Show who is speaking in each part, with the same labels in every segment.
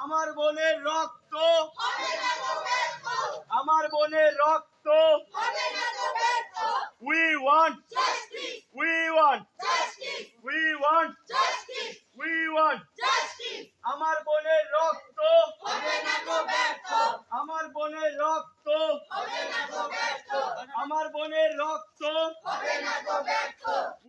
Speaker 1: আমার বোনের রক্ত, আমার বোনের রক্ত, we want justice, we want justice, we want justice, we want justice, আমার বোনের রক্ত হবে না গো ব্যর্থ, আমার বোনের রক্ত হবে না গো ব্যর্থ, আমার বোনের রক্ত হবে না গো ব্যর্থ।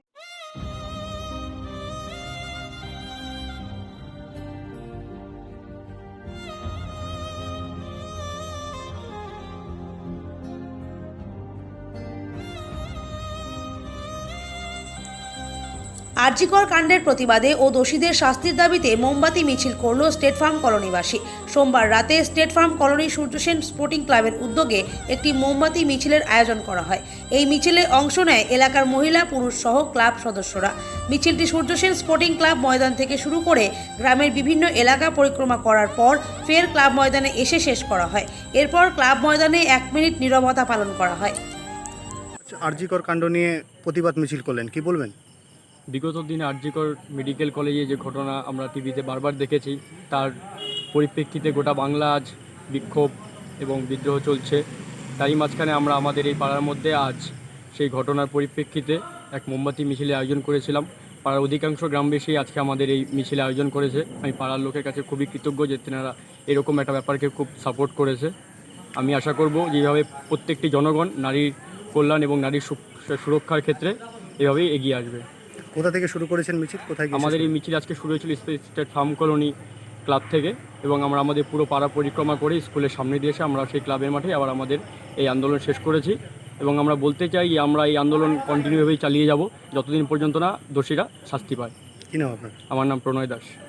Speaker 2: আরজিকর কাণ্ডের প্রতিবাদে ও দোষীদের শাস্তির দাবিতে মোমবাতি মিছিল করল স্টেট ফার্ম কলোনিবাসী। সোমবার রাতে state farm colony Suryasen sporting ক্লাবের উদ্যোগে একটি মোমবাতি মিছিলের আয়োজন করা হয়। এই মিছিলে অংশ নেয় এলাকার মহিলা পুরুষ সহ ক্লাব সদস্যরা। মিছিলটি সূর্যসেন স্পোর্টিং ক্লাব ময়দান থেকে শুরু করে গ্রামের বিভিন্ন এলাকা পরিক্রমা করার পর ফের ক্লাব ময়দানে এসে শেষ করা হয়। এরপর ক্লাব ময়দানে 1 মিনিট নীরবতা পালন করা হয়।
Speaker 3: আরজিকর কাণ্ড নিয়ে প্রতিবাদ মিছিল করলেন, কি বলবেন?
Speaker 4: বিগত দিনে আরজিকর মেডিকেল কলেজে যে ঘটনা আমরা টিভিতে বারবার দেখেছি, তার পরিপ্রেক্ষিতে গোটা বাংলা আজ বিক্ষোভ এবং বিদ্রোহ চলছে। তারই মাঝখানে আমরা আমাদের এই পাড়ার মধ্যে আজ সেই ঘটনার পরিপ্রেক্ষিতে এক মোমবাতি মিছিলে আয়োজন করেছিলাম। পাড়ার অধিকাংশ গ্রামবাসী আজকে আমাদের এই মিছিলে আয়োজন করেছে। আমি পাড়ার লোকের কাছে খুবই কৃতজ্ঞ যে তেনারা এরকম একটা ব্যাপারকে খুব সাপোর্ট করেছে। আমি আশা করব যেভাবে প্রত্যেকটি জনগণ নারীর কল্যাণ এবং নারীর সুরক্ষার ক্ষেত্রে এভাবেই এগিয়ে আসবে।
Speaker 3: কোথা থেকে শুরু করেছেন মিছিল, কোথায়?
Speaker 4: আমাদের এই মিছিল আজকে শুরু হয়েছিল স্টেট ফার্ম কলোনি ক্লাব থেকে, এবং আমরা আমাদের পুরো পাড়া পরিক্রমা করে স্কুলের সামনে দিয়ে এসে আমরা সেই ক্লাবের মাঠে আবার আমাদের এই আন্দোলন শেষ করেছি। এবং আমরা বলতে চাই আমরা এই আন্দোলন কন্টিনিউভাবেই চালিয়ে যাব যতদিন পর্যন্ত না দোষীরা শাস্তি পায়।
Speaker 3: কি নাম আপনার?
Speaker 4: আমার নাম প্রণয় দাস।